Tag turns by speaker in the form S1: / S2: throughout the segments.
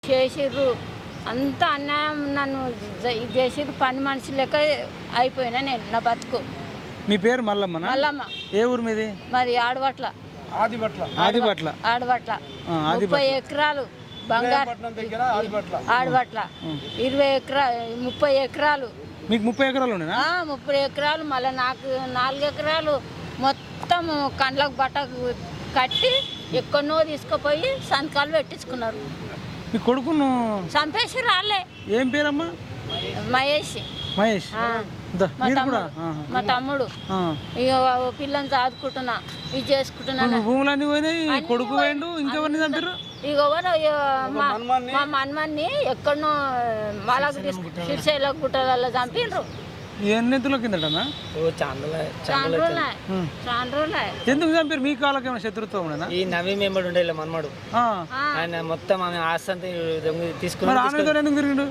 S1: చేసిర్రు అంత అన్యాయం నన్ను చేసిర్రు పని మనిషి లెక్క అయిపోయినా నేను నా బతుకు.
S2: మీ పేరు మల్లమ్మ?
S1: మల్లమ్మ.
S2: ఏ ఊరు మీది?
S1: మరి ఆడబట్ల.
S2: ఆదిబట్ల.
S1: 30 ఎకరాలు బంగారు ఆడబట్ల 30 ఎకరాలు.
S2: మీకు 30 ఎకరాలు ఉండేనా?
S1: 30 ఎకరాలు. మళ్ళీ నాకు 4 ఎకరాలు మొత్తం కండ్లకు బట్ట కట్టి ఎక్కడనో తీసుకుపోయి సంతకాలు పెట్టించుకున్నారు.
S2: మీ కొడుకును
S1: చంపేసి రాలే.
S2: ఏం పేరమ్మా?
S1: మహేష్. మా తమ్ముడు. ఇక పిల్లని చదువుకుంటున్నా, ఇది చేసుకుంటున్నా.
S2: భూములన్నీ పోయినాయి, కొడుకు పోయిండు. ఇంకెవరిని చంపారు?
S1: ఇక మా మన్మన్ని ఎక్కడనో మాలకు శ్రీశైలం గుట్టలలో చంపిండ్రు.
S2: ఎన్ని ఎత్తుల కిందటనా?
S1: చాలా రోజులు.
S2: ఎందుకు చంపారు? మీ కాళ్ళకి ఏమైనా శత్రుత్వం ఉండేనా?
S3: ఈ నవీ మెంబర్ ఉండే మనమాడు ఆయన మొత్తం ఆమె ఆస్తి అంతా తీసుకుని
S2: ఎందుకు తిరిగిండు?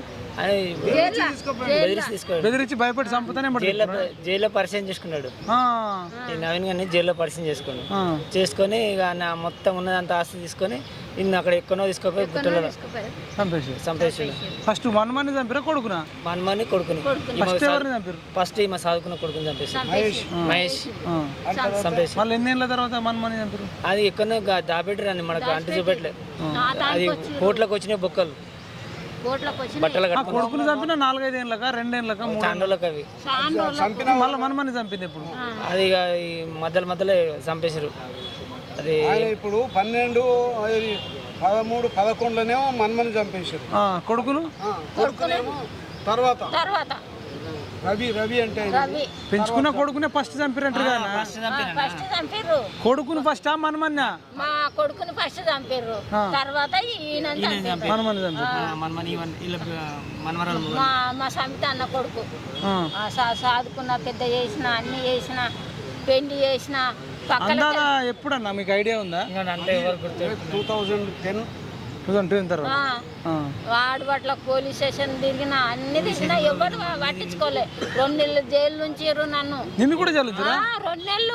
S3: బెదిరించి
S2: భయపడి చంపుతానే
S3: జైల్లో పరిచయం చేసుకున్నాడు. ఈ నవీన్ గారిని జైల్లో పరిచయం చేసుకొని ఇక మొత్తం ఉన్నదంతా ఆస్తి తీసుకొని ఇన్ని అక్కడ ఎక్కడో తీసుకుపోయి గుట్టలలో చంపేసి.
S2: ఫస్ట్ మన్మని చంపారా కొడుకునా?
S3: మన్మని కొడుకుని. ఫస్ట్ మా చదువుకున్న కొడుకుని చంపేసి మహేష్ చంపేసి.
S2: మళ్ళీ ఎన్నేళ్ళ తర్వాత మన్మని చంపారు?
S3: అది ఎక్కడో దాపెట్టారు, మనకు అంటు చూపెట్టలేదు. అది కోట్లకు వచ్చినాయి బొక్కలు.
S2: కొడుకుని చంపిన 4-5 ఏళ్ళక 2 ఏళ్ళక 3
S3: ఏళ్ళకి అవి
S2: మళ్ళీ మన్మని చంపింది. ఇప్పుడు
S3: అది మధ్యలో చంపేశారు. అది
S4: ఇప్పుడు 12, 13, 11లోనేమో మన్మని చంపేశారు. కొడుకునేమో తర్వాత రవి అంటే
S2: పెంచుకున్న కొడుకునే ఫస్ట్ చంపారంటారు కదా. కొడుకుని ఫస్ట్ మన్మన్న?
S1: మా కొడుకుని ఫస్ట్ చంపారు, తర్వాత మా సమిత అన్న కొడుకు. సాదుకున్న పెద్ద చేసిన, అన్ని చేసిన, పెళ్లి చేసిన.
S2: ఎప్పుడన్నా మీకు ఐడియా ఉందా?
S3: అంటే
S4: 2010
S2: తర్వాత
S1: ఆడబట్ల పోలీస్ స్టేషన్ తిరిగిన, అన్ని తిరిగినా ఎవరు పట్టించుకోలే. 2 నెలలు జైలు నుంచి నన్ను.
S2: నిన్ను కూడా జైలు
S1: 2 నెలలు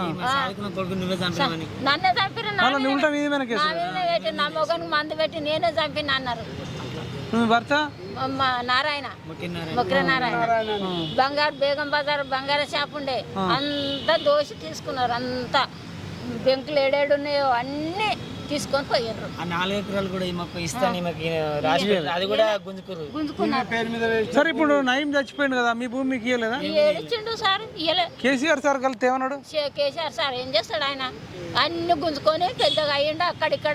S1: నన్నే చంపిరు. నా మొగనికి మందు పెట్టి నేనే చంపిన అన్నారు.
S2: భర్త
S1: నారాయణ, మొక్కిర నారాయణ. బంగారు బేగం బజార్ బంగారు షాప్ ఉండే, అంతా దోషి తీసుకున్నారు. అంతా బెంకులు ఏడేడు ఉన్నాయో అన్ని తీసుకొని పోయారు.
S3: 4 ఎకరాలు కూడా ఇస్తాను అది కూడా గుంజుకున్నారు.
S2: సరే ఇప్పుడు నయం చచ్చిపోయింది కదా, మీ భూమి మీకు ఇయ్యలేదా?
S1: ఇచ్చిండు సార్, ఇయ్యలే.
S2: కేసీఆర్ సార్ కలిసి ఏమన్నాడు?
S1: కేసీఆర్ సార్ ఏం చేస్తాడు? ఆయన అన్ని గుంజుకొని పెద్దగా అయ్యిండు. అక్కడిక్కడ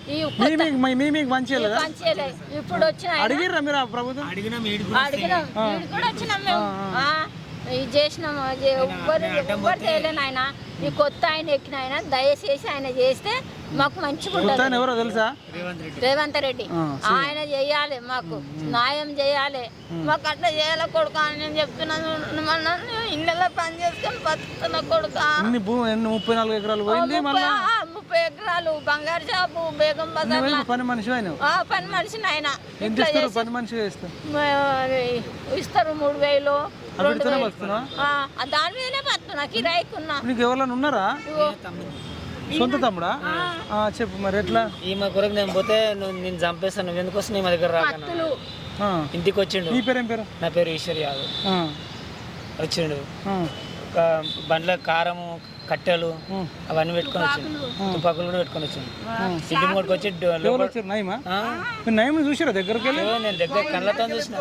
S1: ఇప్పుడు వచ్చిన
S2: అడిగిర్రా మీరు? ప్రభుత్వం
S1: అడిగినాం, కూడా వచ్చినాం మేము. ఇది చేసినాం. ఎవ్వరు చేయలేను. ఆయన ఈ కొత్త ఆయన ఎక్కిన ఆయన దయచేసి ఆయన చేస్తే మాకు మంచిగా ఉంటుంది.
S2: ఎవరో తెలుసా?
S1: రేవంత్ రెడ్డి. ఆయన చేయాలి, మాకు న్యాయం చేయాలి. మాకు అట్లా చేయాలి కొడుకు అని నేను చెప్తున్నాను. ఇళ్ళలో పని చేసుకొని బతుకుతున్న కొడుకు.
S2: 34 ఎకరాలు పోయింది.
S1: 30 ఎకరాలు బంగారు షాపు బేగం బజార్.
S2: పని మనిషి ఆయన?
S1: పని మనిషిని ఆయన.
S2: పని మనిషి
S1: ఇస్తారు 3000, 2000. దాని మీదనే బతున్నా, కిరాయికున్నా.
S2: నీకు ఎవరైనా ఉన్నారా? సొంత తమ్ముడా? చెప్పు మరి ఎట్లా?
S3: ఈమె కొరకు నేను పోతే నేను చంపేస్తాను, నువ్వు ఎందుకు వస్తుంది మా దగ్గర రాక ఇంటికి వచ్చిండు.
S2: నీ పేరు ఏం పేరు?
S3: నా పేరు ఈశ్వర్ యాదవ్. వచ్చిండు ఒక బండ్ల కారము, కట్టెలు అవన్నీ పెట్టుకొని వచ్చిండు. తుపాకులు కూడా పెట్టుకొని వచ్చిండు. ఇంటి ముందుకు వచ్చి
S2: నయం చూసారా? దగ్గరికి వెళ్ళి
S3: నేను దగ్గర కళ్ళతో చూసిన.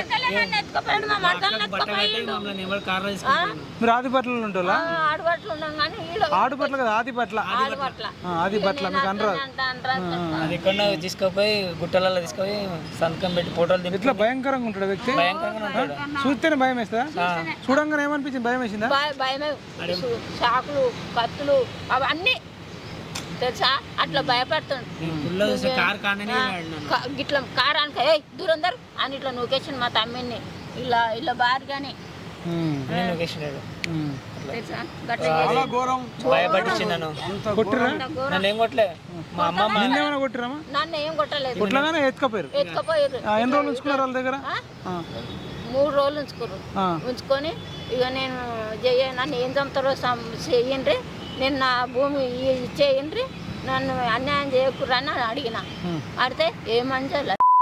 S2: మీరు ఆదిపట్లలో ఉంటారా? ఆడుపట్ల కదా, ఆదిపట్ల. మీకు అనరాదు.
S3: అది ఎక్కడ తీసుకుపోయి గుట్టలలో తీసుకుపోయి సంతకం పెట్టి ఫోటోలు
S2: ఇట్లా భయంకరంగా ఉంటాడు వ్యక్తి.
S3: భయంకరంగా ఉంటాడు.
S2: చూస్తేనే భయం వేస్తా? చూడంగానే ఏమనిపించింది? భయం వేసిందా?
S1: చాకులు, కత్తులు అవన్నీ తెలుసా? అట్లా భయపడుతుంది. ఇట్లా కారానికి దూరం దూరం అని ఇట్లా నూకేసిండు మా తమ్మిని. ఇలా బారుగానే
S3: భయపడిచ్చిండు. నన్ను ఏం కొట్టలే. మా అమ్మ
S2: కొట్టిరామా?
S1: నన్ను ఏం కొట్టలేదు.
S2: కొట్టగానే ఎత్తుకపోయారు. ఎన్ని రోజులు ఉంచుకున్నారు వాళ్ళ దగ్గర?
S1: 3 రోజులు ఉంచుకొని ఇక నేను నన్ను ఏం చంపుతారో చెయ్యండి, నేను నా భూమి ఇచ్చేయండి, నన్ను అన్యాయం చేయకూడదని అడిగిన. అడిగితే ఏమని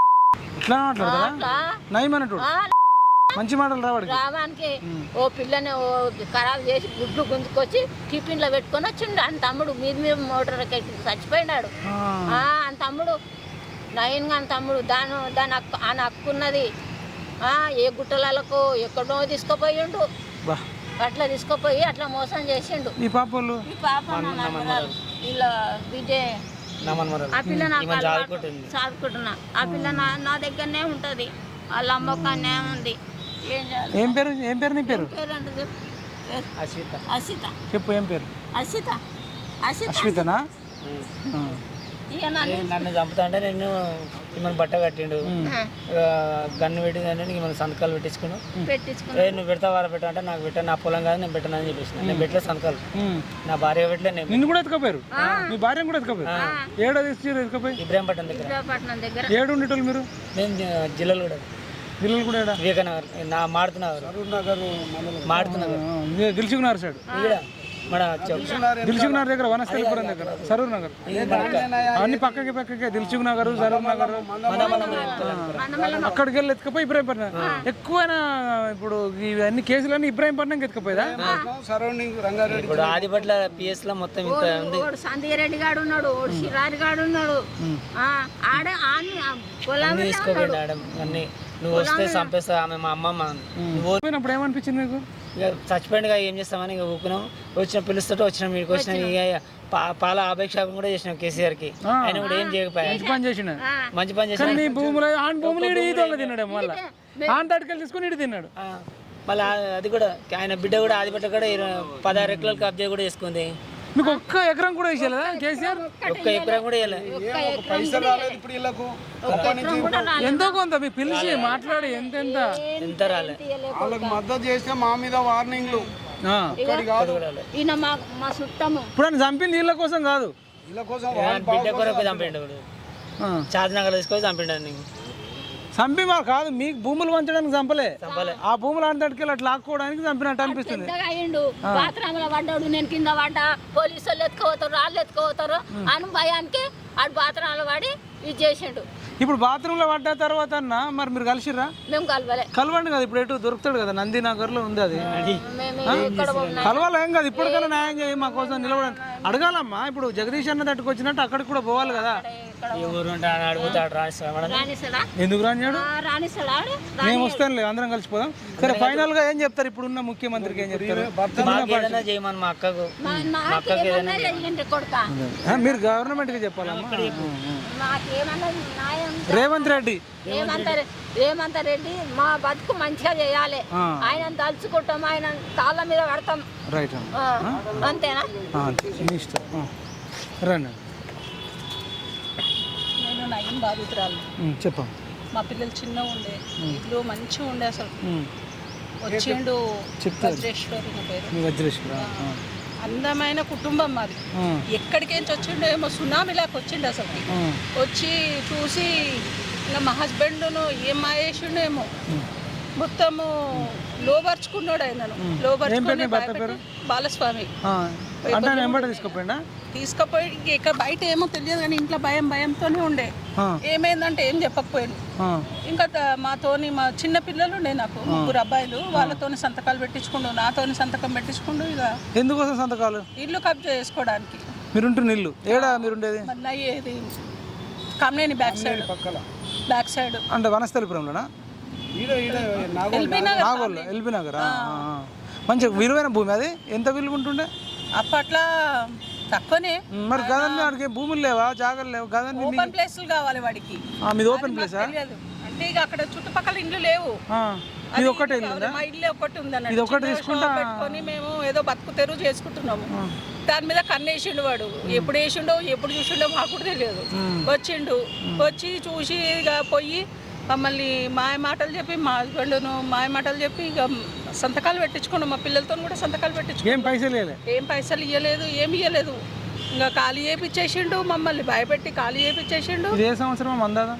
S2: ఇట్లా మాట్లాడతారా
S1: అట్లా
S2: నయమన్నట్టు మంచి మాటలు రావాడికి
S1: రామానికి ఓ పిల్లని ఓ ఖరాబ్ చేసి గుడ్లు గుంజుకొచ్చి టిఫిన్లో పెట్టుకొని వచ్చిండు అని తమ్ముడు మీద మోటార్ చచ్చిపోయినాడు. అని తమ్ముడు నయన్గా అని తమ్ముడు దాని హక్కు ఉన్నది. ఏ గుట్టలకు ఎక్కడో తీసుకుపోయిండు, అట్లా తీసుకుపోయి అట్లా మోసం చేసిండు.
S2: ఈ పాప
S1: ఇలా విజయ్ ఆ పిల్ల నాకు చదువుకుంటున్నా. ఆ పిల్ల నా దగ్గరనే ఉంటుంది, వాళ్ళ అమ్మకాన్నే ఉంది.
S2: ఏం పేరు నీ పేరు?
S1: అసిత.
S2: చెప్పు ఏం పేరు?
S1: అసిత.
S2: అశ్వితనా?
S3: నన్ను చంపుతా అంటే నేను మిమ్మల్ని బట్ట కట్టిండు, గన్ను పెట్టిందంటే నీకు మనం సంతకాలు పెట్టించుకున్నావు. నువ్వు పెడతావా పెట్టా అంటే నాకు పెట్టా, నా పొలం కాదు నేను పెట్టానని చెప్పేసి నేను పెట్టలేదు సంతకాలు. నా భార్య పెట్టలేదు.
S2: నిన్ను కూడా ఎత్తుకపోయారు? మీ భార్య కూడా ఎత్తుకపోయారు? ఏడా ఎత్తుకపోయి?
S3: ఇబ్రాహీంపట్నం దగ్గర.
S2: ఏడు ఉండేటోళ్ళు మీరు?
S3: నేను జిల్లాలో కూడా
S2: కూడా
S3: వివేకనగర్, నా మాడుతున్నారు
S2: దిల్సుకున్నారు సైడ్
S3: మన
S2: దిల్సుకునగర్ దగ్గర, వనస్థలిపురం దగ్గర, సరూర్ నగర్ అన్ని పక్కకి దిల్సుఖ్ నగర్, సరూర్ నగర్ అక్కడికి వెళ్ళి ఎత్తుకపోయి ఇబ్రాహీంపట్నం. ఎక్కువైనా ఇప్పుడు ఇవన్నీ కేసులన్నీ ఇబ్రాహీంపట్నంకి ఎత్తుకపోయేదా?
S4: సరౌండింగ్ రంగారెడ్డి
S3: ఇప్పుడు ఆదిపట్ల పిఎస్ లో మొత్తం ఇంత ఉంది.
S1: సంధ్యారెడ్డి గాడు ఉన్నాడు, శిరారి గాడు ఉన్నాడు.
S3: తీసుకోపోయింది ఆడ అన్ని. నువ్వు వస్తే చంపేస్తా ఆమె మా అమ్మమ్మ. నువ్వు
S2: పోయినప్పుడు ఏమనిపించింది మీకు?
S3: ఇక చచ్చిపోయిందిగా ఏం చేస్తామని ఇక ఊపినాం. వచ్చిన పిలుస్తుంటే వచ్చినాం, మీకు వచ్చినాం. ఇక పాల అపేక్షాపం కూడా చేసినాం కేసీఆర్కి, ఆయన కూడా ఏం చేయకపోయా.
S2: మంచి పని చేసిన
S3: నీ
S2: భూములు ఆన్ భూములు తిన్నాడు, మళ్ళీ ఆన్ తడికలు తీసుకుని ఇటు తిన్నాడు.
S3: మళ్ళీ అది కూడా ఆయన బిడ్డ కూడా ఆదిపట్ల కూడా 16 ఎకరాలు కబ్జా కూడా చేసుకుంది.
S2: మీకు ఒక్క ఎకరం కూడా వేసేదా కేసీఆర్?
S3: ఒక్క ఎకరం కూడా
S4: పైసలు రాలేదు ఇప్పుడు వీళ్ళకు.
S2: ఎంతో కొంత మీకు పిలిచి మాట్లాడి ఎంత
S3: రాలే.
S4: వాళ్ళకి మద్దతు చేస్తే మా మీద వార్నింగ్లు.
S2: ఇప్పుడు ఆయన చంపింది వీళ్ళ కోసం కాదు,
S4: వీళ్ళ కోసం
S3: బిడ్డ కొరకు చంపిండు. చార్నగర్ తీసుకొని చంపిండు. నీకు
S2: చంపి మాకు కాదు, మీకు భూములు పంచడానికి చంపలే. ఆ భూములు అంతటికి అట్లా లాక్కోవడానికి చంపినట్టు అనిపిస్తుంది.
S1: బాత్రూంలో పడ్డాడు, నేను కింద పడ్డా, పోలీసు వాళ్ళు ఎత్తుకోపోతారు, వాళ్ళు ఎత్తుకోపోతారు అని భయానికి ఆడు బాత్రూంలో పడి ఇది చేసిండు.
S2: ఇప్పుడు బాత్రూమ్ లో పడ్డ తర్వాత అన్న మరి మీరు కలిసిర్రా?
S1: మేము
S2: కలవండి కదా, ఇప్పుడు ఎటు దొరుకుతాడు కదా, నందినగర్ లో ఉంది అది. కలవాలి ఏం కాదు, ఇప్పటికైనా న్యాయం చేయి మా కోసం నిలబడండి. అడగాలమ్మా, ఇప్పుడు జగదీష్ అన్న తట్టుకు వచ్చినట్టు అక్కడికి కూడా పోవాలి కదా. ఎందుకు రానియాడు? మేము వస్తానులే, అందరం కలిసిపోదాం. సరే ఫైనల్ గా ఏం చెప్తారు ఇప్పుడు ఉన్న ముఖ్యమంత్రికి? ఏం చెప్తారు? మీరు గవర్నమెంట్ కి చెప్పాలమ్మా. రేవంత్ రెడ్డి
S1: మా బతుకు మంచిగా చేయాలి, ఆయన తలుచుకుంటాం, ఆయన తాళ్ళ మీద పడతాం.
S2: రైట్,
S1: అంతేనా?
S2: రండి.
S5: నేను నయం బాధితురాలు.
S2: చెప్పండి.
S5: మా పిల్లలు చిన్నగా ఉండే, ఇల్లు మంచిగా ఉండే. అసలు వచ్చిండు వజ్రేశ్వరి నా పేరు. అందమైన కుటుంబం మాది. ఎక్కడికేంచి వచ్చిండో ఏమో సునామీలాగా వచ్చిండు. అసలు వచ్చి చూసి ఇంకా మా హస్బెండ్ను ఏం మాయేసిండో ఏమో మొత్తము లోపరుచుకున్నాడు. ఆయనను లోపరుచుకుని బాలస్వామి తీసుకుపోయి ఇక బయట ఏమో తెలియదు కానీ ఇంట్లో భయంతోనే ఉండే. ఏమైందంటే ఏం చెప్పకపోయాడు. ఇంకా మాతోని మా చిన్న పిల్లలు ఉండే, నాకు 3 అబ్బాయిలు, వాళ్ళతోని సంతకాలు పెట్టించుకుండు, నాతోని సంతకం పెట్టించుకుండు. ఇక
S2: ఎందుకోసం సంతకాలు?
S5: ఇల్లు కబ్జా చేసుకోవడానికి.
S2: మీరుంటున్న ఇల్లు ఏడా? మీరుండేది
S5: ఇది కమ్నేని బ్యాక్ సైడ్
S2: అంటే వనస్థలిపురంలోనా? ఎల్బీ నగర్. మంచి విలువైన భూమి అది. ఎంత విలువ ఉంటుండే
S5: అప్పట్లో? తక్కువనే.
S2: మరి గదని వాడికి భూములు లేవా, జాగాలు లేవు? గదని
S5: ఓపెన్ ప్లేస్లు కావాలి వాడికి.
S2: మీది ఓపెన్ ప్లేసా?
S5: అంటే ఇక అక్కడ చుట్టుపక్కల ఇండ్లు లేవు.
S2: ఇది ఒకటే ఇల్లు?
S5: మా ఇల్లు ఒకటి ఉంది
S2: ఇది ఒకటి తీసుకుంటా
S5: పెట్టుకొని మేము ఏదో బతుకు తెరువు చేసుకుంటున్నాము. దాని మీద కన్నేసిండు వాడు. ఎప్పుడు వేసిండో ఎప్పుడు చూసిండో మాకు కూడా తెలియదు. వచ్చిండు, వచ్చి చూసి ఇక పోయి మమ్మల్ని మాయ మాటలు చెప్పి, మా హస్బెండ్ను మాయ మాటలు చెప్పి ఇక సంతకాలు పెట్టించుకున్నాం. మా పిల్లలతో కూడా సంతకాలు పెట్టించుకున్నాం. ఏం పైసలు ఇవ్వలేదు, ఏమి ఇవ్వలేదు. ఇంకా ఖాళీ చేయించేసిండు, మమ్మల్ని భయపెట్టి ఖాళీ చేయించేసిండు.
S2: ఏ సంవత్సరం అందాదా?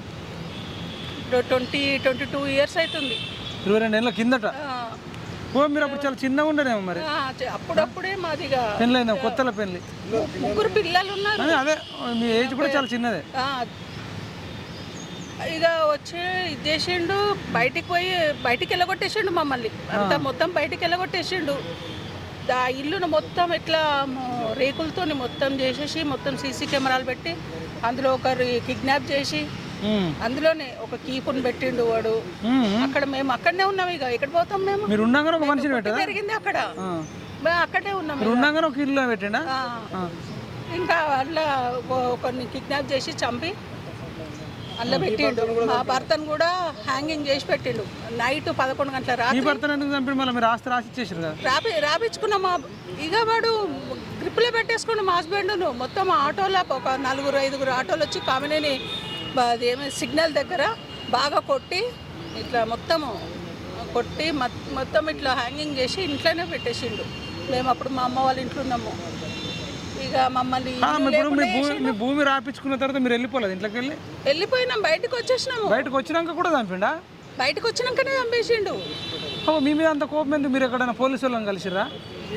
S5: 22 ఇయర్స్ అవుతుంది.
S2: 22 ఏళ్ళ కిందట. మీరు అప్పుడు చాలా చిన్నగా ఉండేనేమో మరి.
S5: అప్పుడప్పుడే మాదిగా
S2: పెళ్ళైందా? కొత్తల పెళ్ళి.
S5: 3 పిల్లలు ఉన్నారు.
S2: అదే మీ ఏజ్ కూడా చాలా చిన్నదే.
S5: ఇక వచ్చి ఇది చేసిండు, బయటికి వెళ్ళగొట్టేసిండు మమ్మల్ని అంతా మొత్తం బయటికి వెళ్ళగొట్టేసిండు. ఆ ఇల్లును మొత్తం ఇట్లా రేకులతో మొత్తం చేసేసి మొత్తం సీసీ కెమెరాలు పెట్టి అందులో ఒకరు కిడ్నాప్ చేసి అందులోనే ఒక కీపుని పెట్టిండు వాడు. అక్కడ మేము అక్కడనే ఉన్నాం. ఇక ఎక్కడ పోతాం మేము?
S2: మీరు ఉన్నాగా ఒక మనిషిని పెట్టారా?
S5: జరిగింది అక్కడ, మేము అక్కడే ఉన్నాం.
S2: మీరు ఉన్నాగా ఒక ఇల్లు పెట్టిండా?
S5: ఇంకా అట్లా ఒకరిని కిడ్నాప్ చేసి చంపి అల్ల పెట్టిండు. మా భర్తను కూడా హ్యాంగింగ్ చేసి పెట్టిండు. నైట్ 11 గంటల రాత్రి.
S2: ఈ భర్తను ఎందుకు చంపి మళ్ళీ మీరు ఆస్తి రాసి ఇచ్చేసారు కదా?
S5: రాపించుకున్నాం. ఇక వాడు గ్రిప్లో పెట్టేసుకున్నాం మా హస్బెండ్ను. మొత్తం ఆటోలో ఒక 4-5 ఆటోలు వచ్చి కామినేని అదేమో సిగ్నల్ దగ్గర బాగా కొట్టి ఇట్లా మొత్తము కొట్టి మొత్తం ఇట్లా హ్యాంగింగ్ చేసి ఇంట్లోనే పెట్టేసిండు. మేము అప్పుడు మా అమ్మ వాళ్ళ ఇంట్లో ఉన్నాము. ఇక మమ్మల్ని
S2: మీ భూమి రాపించుకున్న తర్వాత మీరు వెళ్ళిపోలేదు ఇంట్లోకి
S5: వెళ్ళిపోయినాం. బయటకు వచ్చేసినాము.
S2: బయటకు వచ్చినాక కూడా చంపిండా?
S5: బయటకు వచ్చినాకనే చంపేసిండు.
S2: మీ మీద అంత కోపం ఎందుకు? మీరు ఎక్కడైనా పోలీసు వాళ్ళని కలిసిరా?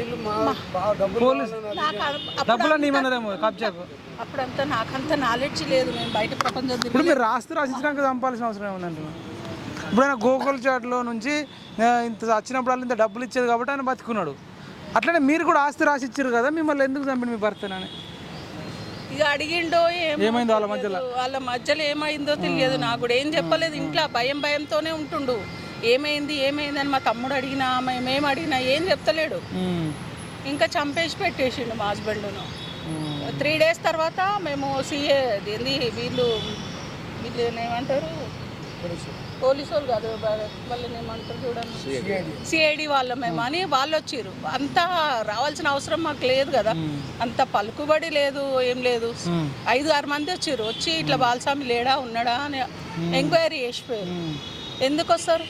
S2: డబ్బులన్నీ ఏమన్నదేమో కబ్జాకు.
S5: అప్పుడంతా నాకంత నాలెడ్జ్ లేదు. మేము బయట ప్రపంచం
S2: ఇప్పుడు మీరు ఆస్తి రాసిచ్చినాక చంపాల్సిన అవసరం ఏమన్నా? ఇప్పుడు ఆయన గోకుల్ చాట్లో నుంచి ఇంత వచ్చినప్పుడు వాళ్ళు ఇంత డబ్బులు ఇచ్చేది కాబట్టి ఆయన బతుకున్నాడు. అట్లనే మీరు కూడా ఆస్తి రాసి ఇచ్చారు కదా, మిమ్మల్ని ఎందుకు చంపండి మీ భర్తనని?
S5: ఇక అడిగిండో
S2: ఏమైందో వాళ్ళ
S5: మధ్యలో ఏమైందో తెలియదు. నాకు కూడా ఏం చెప్పలేదు. ఇంట్లో భయంతోనే ఉంటుండు. ఏమైంది అని మా తమ్ముడు అడిగినా మేము అడిగినా ఏం చెప్తలేడు. ఇంకా చంపేసి పెట్టేసిండు మా హస్బెండ్ను. 3 days తర్వాత మేము సిఏ వీళ్ళు ఏమంటారు, పోలీసు వాళ్ళు కాదు వాళ్ళని ఏమంటారు చూడండి, సిఐడి వాళ్ళ మేము అని వాళ్ళు వచ్చారు. అంతా రావాల్సిన అవసరం మాకు లేదు కదా, అంత పలుకుబడి లేదు, ఏం లేదు. 5-6 మంది వచ్చి ఇట్లా బాలస్వామి లేడా ఉన్నాడా అని ఎంక్వైరీ చేసిపోయారు. ఎందుకు వస్తారు?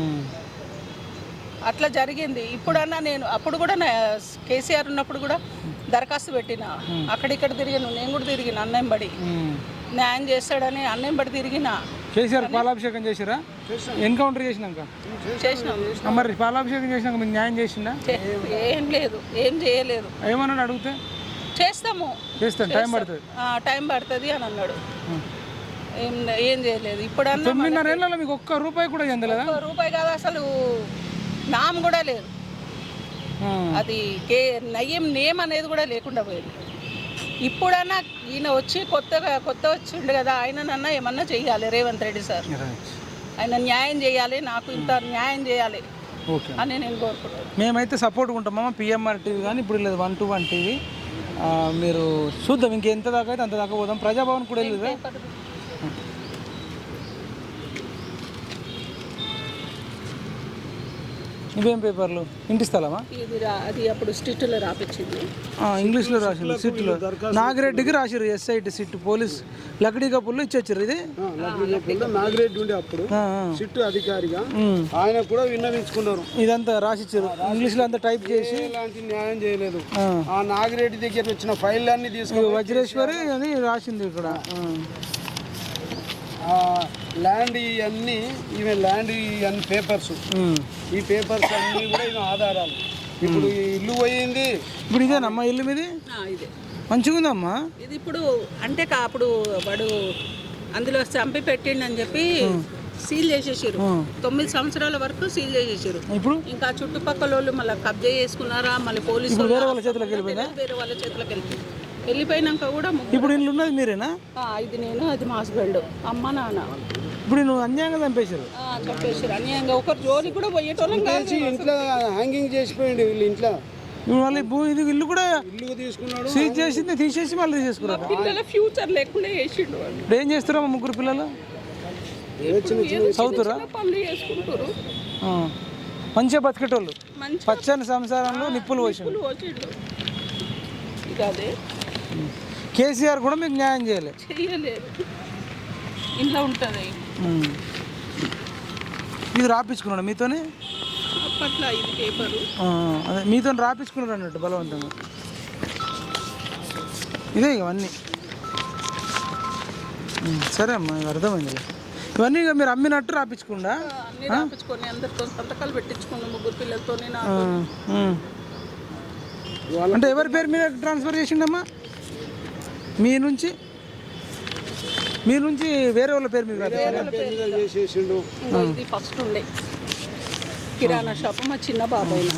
S5: అట్లా జరిగింది. ఇప్పుడన్నా నేను అప్పుడు కూడా కేసీఆర్ ఉన్నప్పుడు కూడా దరఖాస్తు పెట్టిన, అక్కడిక్కడ తిరిగాను. నేను కూడా తిరిగిన అన్నయం బడి న్యాయం చేస్తాడని అన్నయం బడి తిరిగిన.
S2: కేసీఆర్ పాలాభిషేకం చేసిరా? ఎన్కౌంటర్ చేసినాక
S5: చేసినాం.
S2: మరి పాలాభిషేకం చేసినాక మీకు న్యాయం చేసిందా?
S5: ఏం లేదు, ఏం చేయలేదు.
S2: ఏమన్నాడు అడిగితే?
S5: చేస్తాం
S2: టైం పడుతుంది
S5: అని అన్నాడు. ఏం చేయలేదు. ఇప్పుడు
S2: 9.5 ఏళ్ళలో మీకు ఒక్క రూపాయి కూడా చెందలేదా?
S5: రూపాయి కాదు, అసలు నామ్ కూడా లేదు. అది నయ్యం నేమ్ అనేది కూడా లేకుండా పోయింది. ఇప్పుడన్నా ఈయన వచ్చి కొత్త వచ్చిండు కదా, ఆయననన్నా ఏమన్నా చెయ్యాలి. రేవంత్ రెడ్డి సార్ ఆయన న్యాయం చేయాలి, నాకు ఇంత న్యాయం చేయాలి అని నేను కోరుకుంటున్నాను.
S2: మేమైతే సపోర్ట్ ఉంటామమ్మా. పిఎంఆర్ టీవీ కానీ ఇప్పుడు లేదు 121 టీవీ. మీరు చూద్దాం, ఇంకెంత దాకా అయితే అంత దాకా పోదాం. ప్రజాభవన్ కూడా వెళ్ళేదా? ఇవేం పేపర్లు? ఇంటి స్థలమా?
S5: అది అప్పుడు స్ట్రిక్ట్లో రాపించింది,
S2: ఇంగ్లీష్లో రాసింది. సిట్లో నాగిరెడ్డికి రాసిరు ఎస్ఐటి సిట్ పోలీస్ లక్డీ కప్పుల్లో ఇచ్చొచ్చారు. ఇది
S4: నాగిరెడ్డి ఉండే అప్పుడు సిట్ అధికారిగా ఆయన కూడా విన్నవించుకున్నారు.
S2: ఇదంతా రాసిచ్చారు ఇంగ్లీష్లో అంతా టైప్ చేసి.
S4: ఎలాంటి న్యాయం చేయలేదు. ఆ నాగిరెడ్డి దగ్గర వచ్చిన ఫైల్ అన్ని తీసుకుని
S2: వజ్రేశ్వరి అని రాసింది ఇక్కడ.
S4: ల్యాండ్ ఇవన్నీ ఈవెన్ ల్యాండ్ ఇవన్నీ పేపర్స్, ఈ పేపర్స్ అన్నీ కూడా ఇవి ఆధారాలు. ఇప్పుడు ఇల్లు పోయింది.
S2: ఇప్పుడు ఇదేనమ్మా ఇల్లు మీది?
S5: ఇదే
S2: మంచిగా ఉందమ్మా.
S5: ఇది ఇప్పుడు అంటే అప్పుడు వాడు అందులో చంపి పెట్టిండని చెప్పి సీల్ చేసేసారు. 9 సంవత్సరాల వరకు సీల్ చేసేసారు.
S2: ఇప్పుడు
S5: ఇంకా చుట్టుపక్కల వాళ్ళు మళ్ళీ కబ్జా చేసుకున్నారా, మళ్ళీ పోలీసులు
S2: వేరే వాళ్ళ చేతిలోకి
S5: వెళ్ళిపోయింది. వెళ్ళిపోయినాక కూడా
S2: ఇప్పుడు ఇల్లు ఉన్నది మీరేనా?
S5: ఇది నేను, అది మా హస్బెండ్, అమ్మ నాన్న.
S2: ఇప్పుడు నువ్వు అన్యాయంగా చంపేశారు.
S5: అన్యాయంగా ఒకరు జోలి కూడా పోయేటోళ్ళం
S4: ఇంట్లో హ్యాంగింగ్ చేసిపోయింది వీళ్ళు ఇంట్లో.
S2: ఇప్పుడు మళ్ళీ ఇది ఇల్లు కూడా
S4: ఇల్లు తీసుకున్నాడు,
S2: సీజ్ చేసింది తీసేసి మళ్ళీ తీసుకున్నారు.
S5: పిల్లల ఫ్యూచర్ లేకుండా చేసిండు.
S2: ఇప్పుడు ఏం చేస్తారమ్మా 3 పిల్లలు? చదువుతురా?
S5: పనులు చేసుకుంటారు,
S2: మంచిగా బతికేటోళ్ళు. పచ్చని సంసారంలో నిప్పులు పోసిండు.
S5: అదే
S2: కేసీఆర్ కూడా మీకు న్యాయం చేయలేదు.
S5: ఇంట్లో ఉంటుంది.
S2: ఇది రాపించుకున్నాడు మీతోనే?
S5: అప్పట్లో ఇది పేపరు
S2: అదే మీతో రాపించుకున్నాడు అన్నట్టు బలవంతంగా. ఇదే ఇవన్నీ. సరే అమ్మా, అర్థమైంది. ఇవన్నీ ఇక మీరు అమ్మినట్టు రాపించుకుండా
S5: రాపించుకొని అందరితో సంతకాలు పెట్టించుకున్నాం 3 పిల్లలతో.
S2: అంటే ఎవరి పేరు మీద ట్రాన్స్ఫర్ చేసిండమ్మా? మీ నుంచి మీ నుంచి వేరే వాళ్ళ పేరు మీద
S4: చేసేసిండు.
S5: ఇంకో ఇది ఫస్ట్ ఉండే కిరాణా షాప్ మా చిన్న బాబాయ్.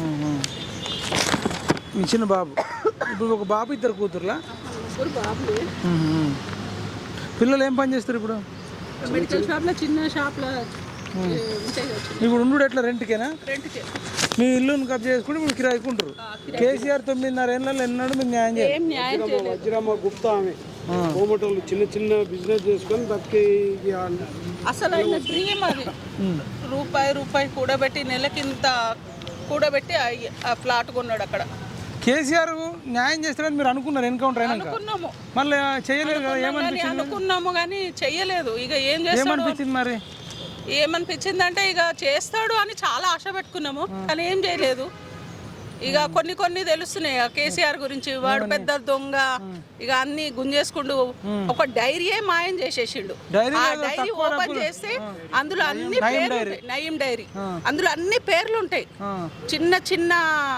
S2: మీ చిన్న బాబు. ఇప్పుడు ఒక బాబు, ఇద్దరు కూతుర్లా?
S5: ముగ్గురు బాబులే.
S2: పిల్లలు ఏం పని చేస్తారు ఇప్పుడు?
S5: మెడికల్ షాప్లో, చిన్న షాప్లో.
S2: ఇప్పుడు ఉండు ఎట్లా, రెంట్కేనా?
S5: రెంట్కే.
S2: మీ ఇల్లుని కబ్జా చేసుకుంటే ఇప్పుడు కిరాయికుంటారు. కేసీఆర్ 9.5 ఏళ్ళలో ఎన్నాడు మీకు న్యాయం చేయాలి?
S5: ఏం న్యాయం చేయలేదు.
S4: వజ్రమ్మ గుప్తా ఆమె కోమటోళ్ళు చిన్న చిన్న బిజినెస్ చేసుకొని బతికి
S5: అసలు ఆయన డ్రీమ్ అది. రూపాయి కూడబెట్టి నెలకింత కూడబెట్టి ఆ ఫ్లాట్ కొన్నాడు అక్కడ.
S2: కేసీఆర్ న్యాయం చేస్తారని మీరు అనుకున్నారు ఎన్కౌంటర్ అయినాక?
S5: అనుకున్నాము,
S2: మళ్ళీ చేయలేదు కదా? ఏమనిపించింది?
S5: అనుకున్నాము కానీ చెయ్యలేదు. ఇక ఏం చేస్తాడు
S2: ఏమనిపించింది మరి?
S5: ఏమనిపించిందంటే ఇక చేస్తాడు అని చాలా ఆశ పెట్టుకున్నాము కానీ ఏం చేయలేదు. ఇక కొన్ని తెలుస్తున్నాయి కేసీఆర్ గురించి. వాడు పెద్ద దొంగ, ఇక అన్ని గుంజేసుకుంటూ ఒక డైరీయే మాయం చేసేసిండు. ఆ డైరీ ఓపెన్ చేస్తే అందులో అన్ని పేర్లు ఉంటాయి. నయీం డైరీ, అందులో అన్ని పేర్లు ఉంటాయి. చిన్న చిన్న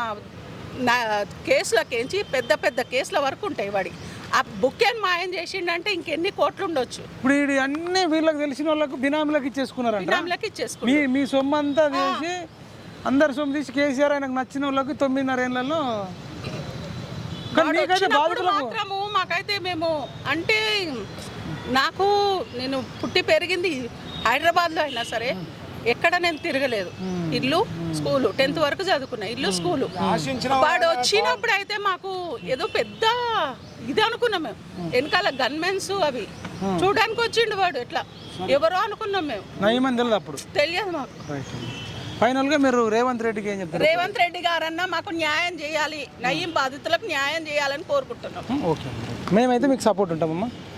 S5: కేసులకేంచి పెద్ద కేసుల వరకు ఉంటాయి. వాడి ఆ బుక్ ఏం మాయం చేసిండంటే ఇంకెన్ని కోట్లు ఉండొచ్చు.
S2: ఇప్పుడు అన్ని వీళ్ళకి తెలిసిన వాళ్ళకు బినామీలకు ఇచ్చేసుకున్నారంట.
S5: బినామీలకు ఇచ్చేసుకున్నారు.
S2: మీ సొమ్ము అంతా తీసి, అందరి సొమ్ము తీసి కేసీఆర్ ఆయనకు నచ్చిన వాళ్ళకి 9.5 ఏళ్లలో.
S5: మాత్రము మాకైతే మేము అంటే నేను పుట్టి పెరిగింది హైదరాబాద్లో అయినా సరే ఎక్కడ నేను తిరగలేదు. ఇల్లు స్కూలు, 10th వరకు చదువుకున్నా. ఇల్లు స్కూలు. వాడు వచ్చినప్పుడు అయితే మాకు ఏదో పెద్ద ఇది అనుకున్నాం మేము. వెనకాల గన్మెన్స్ అవి చూడడానికి వచ్చిండు వాడు. ఎట్లా ఎవరో అనుకున్నాం మేము.
S2: నయమని తెలియదు అప్పుడు?
S5: తెలియదు మాకు.
S2: ఫైనల్ గా మీరు రేవంత్ రెడ్డికి ఏం చెప్తారు?
S5: రేవంత్ రెడ్డి గారన్నా మాకు న్యాయం చేయాలి, నయీం బాధితులకు న్యాయం చేయాలని కోరుకుంటున్నాం.
S2: ఓకే, మేమైతే మీకు సపోర్ట్ ఉంటామమ్మా.